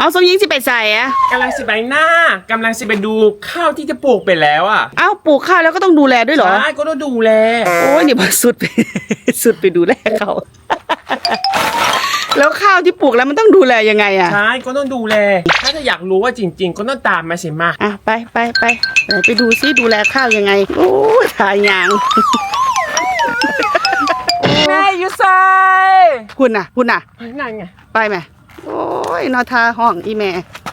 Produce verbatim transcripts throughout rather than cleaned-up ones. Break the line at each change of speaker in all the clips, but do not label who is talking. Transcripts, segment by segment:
เอาสมยิงสิไปใส่อะ
กำลังสิไปหน้ากำลังสิไปดูข้าวที่จะปลูกไปแล้วอ่ะ
เอ้าปลูกข้าวแล้วก็ต้องดูแลด้วยเหรอ
ใช่ก็ต้องดูแล
โอ้ยนี่มาสุดไป สุดไปดูแลเขา แล้วข้าวที่ปลูกแล้วมันต้องดูแลยังไงอะ
ใช่ก็ต้องดูแลถ้าจะอยากรู้ว่าจริง ๆ ก็ต้องตามมาสิมา
อ่ะไปไปไปไหนไปดูซิดูแลข้าวยังไง โอ้ยทายยาง
แม่ยูไซ
คุณน่ะคุณน่ะ
นั่นไง
ไปไหมโอ้ยนอทาห้องอีแม่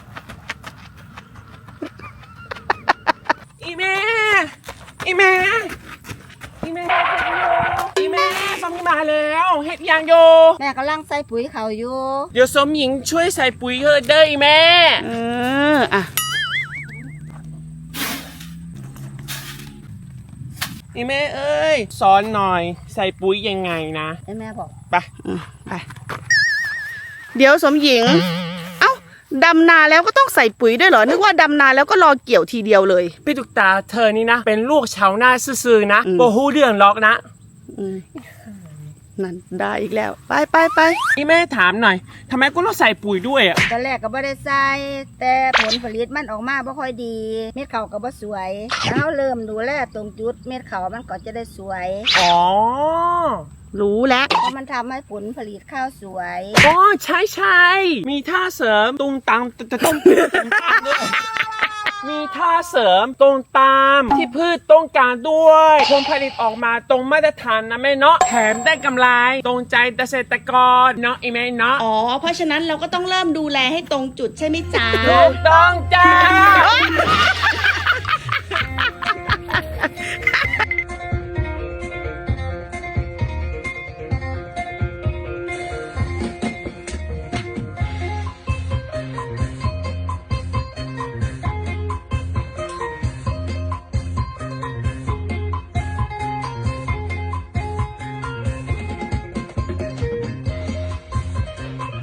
อีแม่อีแม่อีแม่อีแม่สมหญิงมาแล้วเฮ็ดยังโย
แม่กำลังใส่ปุ๋ยเขาอยู่
เดี๋ยวสมหญิงช่วยใส่ปุ๋ยเฮอะเด้ออีแม่
เอออ่ะ
อีแม่เอ้ยสอนหน่อยใส่ปุ๋ยยังไงนะ
ให้แม่บอก
ไป
อืมไปเดี๋ยวสมหญิง เอ้าดำนาแล้วก็ต้องใส่ปุ๋ยด้วยเหรอนึกว่าดำนาแล้วก็รอเกี่ยวทีเดียวเลย
พี่ตุกตาเธอนี่นะ เป็นลูกชาวนาซื่อๆนะ
อืม
โบฮู้เรื่องล็อกนะ
อืมนั่นได้อีกแล้ว ไปไปไป
อีแม่ถามหน่อยทำไมกูต้องใส่ปุ๋ยด้วยอ่ะ
ตอนแรกก็บ่ได้ใส่แต่ผลผลิตมันออกมาบ่ค่อยดี เม็ดเขาก็บ่สวยแล้วเริ่มดูแลตรงจุดเม็ดเขามันก็จะได้สวย
อ๋อ
รู้แล้ว
เพราะมันทำให้ผลผลิตข้าวสวย
อ๋อใช่ใช่มีท่าเสริมตรงตามตรงตามด้วยมีท่าเสริมตรงตามที่พืชต้องการด้วยผลผลิตออกมาตรงมาตรฐานนะแม่เนาะแถมได้กำไรตรงใจเกษตรกรเนาะอีแม่เนาะ
อ๋อเพราะฉะนั้นเราก็ต้องเริ่มดูแลให้ตรงจุดใช่ไหมจ๊ะ
ถูกต้องจ้า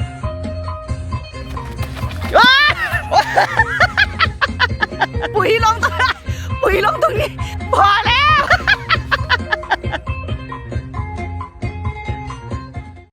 ปุ๋ยลง